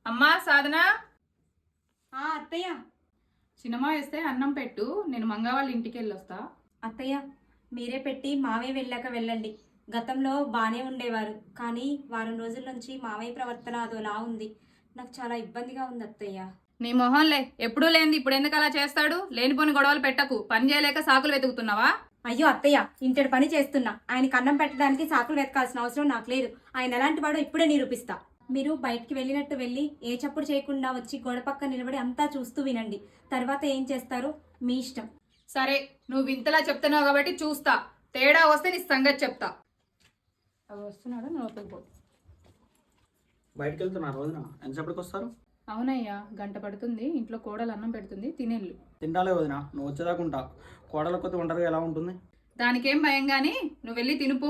అమ్మా సాధన, అత్తయ్య. సినిమా వేస్తే అన్నం పెట్టు, నేను మంగ వాళ్ళ ఇంటికి వెళ్ళొస్తా. అత్తయ్య మీరే పెట్టి మావయ్య వెళ్ళాక వెళ్ళండి. గతంలో బాగానే ఉండేవారు, కానీ వారం రోజుల నుంచి మావయ్య ప్రవర్తన అదోలా ఉంది. నాకు చాలా ఇబ్బందిగా ఉంది అత్తయ్య. నీ మొహంలే, ఎప్పుడూ లేనిది ఇప్పుడు ఎందుకు అలా చేస్తాడు? లేనిపోని గొడవలు పెట్టకు. పని చేయలేక సాకులు వెతుకుతున్నావా? అయ్యో అత్తయ్య, ఇంటి పని చేస్తున్నా. ఆయనకి అన్నం పెట్టడానికి సాకులు వెతకాల్సిన అవసరం నాకు లేదు. ఆయన ఎలాంటి వాడో ఇప్పుడే నిరూపిస్తా. మీరు బయటికి వెళ్ళినట్టు వెళ్ళి ఏ చప్పుడు చేయకుండా వచ్చి గోడ పక్క నిలబడి అంతా చూస్తూ వినండి. తర్వాత ఏం చేస్తారో మీ ఇష్టం. సరే, నువ్వు ఇంతలా చెప్తున్నావు కాబట్టి చూస్తా. తేడా వస్తే నీ సంగతి చెప్తా. అవి వస్తున్నాడు, నువ్వు లోపలికి పో. బయటకు వెళ్తున్నారు రోజున ఎంతసేపటికి వస్తారు? అవునయ్యా, గంట పడుతుంది. ఇంట్లో కోడలు అన్నం పెడుతుంది, తినేళ్ళు. తింటాలే వదిన, నువ్వు వచ్చేదాకా ఉంటా. కోడల కొద్ది ఒంటరిగా ఎలా ఉంటుంది? దానికేం భయం గాని, నువ్వు వెళ్ళి తినుపో.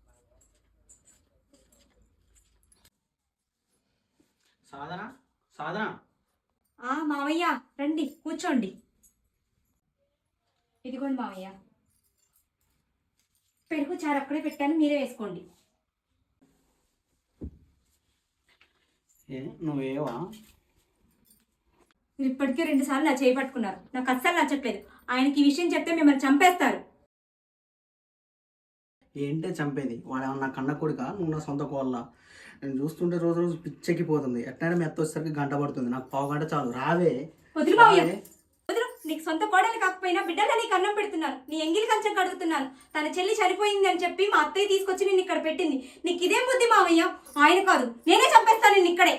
సాధన, సాధన. మావయ్య రండి కూర్చోండి. ఇదిగోండి మావయ్య, పెరుగు చారు అక్కడే పెట్టాను, మీరే వేసుకోండి. నువ్వేవా? మీరు ఇప్పటికే 2 సార్లు నా చేయి పట్టుకున్నారు. నాకు అస్సలు నచ్చట్లేదు. ఆయనకి ఈ విషయం చెప్తే మిమ్మల్ని చంపేస్తారు. ఏంటే చంపేది? వాడు ఏమన్నా కన్న కొడుక, నువ్వు నా సొంత కోళ్ళ. నేను చూస్తుంటే రోజు రోజు పిచ్చెక్కిపోతుంది. ఎట్లయినా మెత్త వచ్చేసరికి గంట పడుతుంది. నాకు పావు గంట చాలు. రావే. వదిలి మావయ్య, వదిలు. నీకు సొంత కోడలు కాకపోయినా బిడ్డగా నీకు అన్నం పెడుతున్నాను. నీ ఎంగిలి కంచం కడుగుతున్నాను. తన చెల్లి చనిపోయింది అని చెప్పి మా అత్తయ్య తీసుకొచ్చి నిన్ను ఇక్కడ పెట్టింది. నీకు ఇదేం బుద్ధి మావయ్య? ఆయన కాదు, నేనే చంపేస్తాను నిన్ను ఇక్కడే.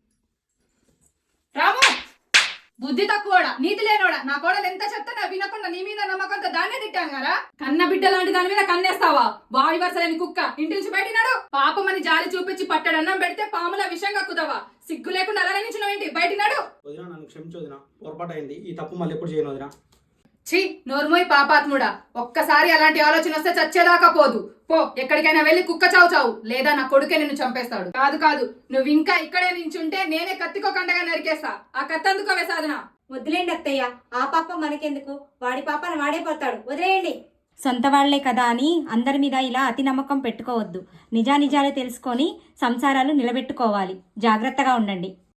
రాము, బుద్ధి తక్కువడా, నీతి లేనోడా. నా కోడలు ఎంత చెప్తున్నా వినకుండా నీ మీద నమ్మకంతో దాన్నే తిట్టాను కదా. కన్న బిడ్డ లాంటి దాని మీద కన్నేస్తావా? వావి వరసలేని కుక్క ఇంటి నుంచి బయటినాడు. పాపమని జాలి చూపించి పట్టడన్నం పెడితే పాముల విషం కక్కుతావా? సిగ్గు లేకుండా అలా నించున్నావేంటి? బయటినాడు. వదిన, నన్ను క్షమించు వదిన. పొరపాటు అయింది. ఈ తప్పు మళ్ళీ ఎప్పుడు చేయను వదిన. ఛీ, నోర్మోయ్ పాపాత్ముడా. ఒక్కసారి అలాంటి ఆలోచన వస్తే చచ్చేదాకా పోదు. పో, ఎక్కడికైనా వెళ్ళి కుక్క చావు చావు, లేదా నా కొడుకే నిన్ను చంపేస్తాడు. కాదు కాదు, నువ్వు ఇంకా ఇక్కడే నించుంటే నేనే కత్తికో కండగా నరికేస్తా. ఆ కత్తి అందుకోవే సాధన. వదిలేండి అత్తయ్య, ఆ పాప మనకెందుకు? వాడి పాపను వాడే పోతాడు, వదిలేయండి. సొంత వాళ్లే కదా అని అందరి మీద ఇలా అతి నమ్మకం పెట్టుకోవద్దు. నిజానిజాలు తెలుసుకొని సంసారాలు నిలబెట్టుకోవాలి. జాగ్రత్తగా ఉండండి.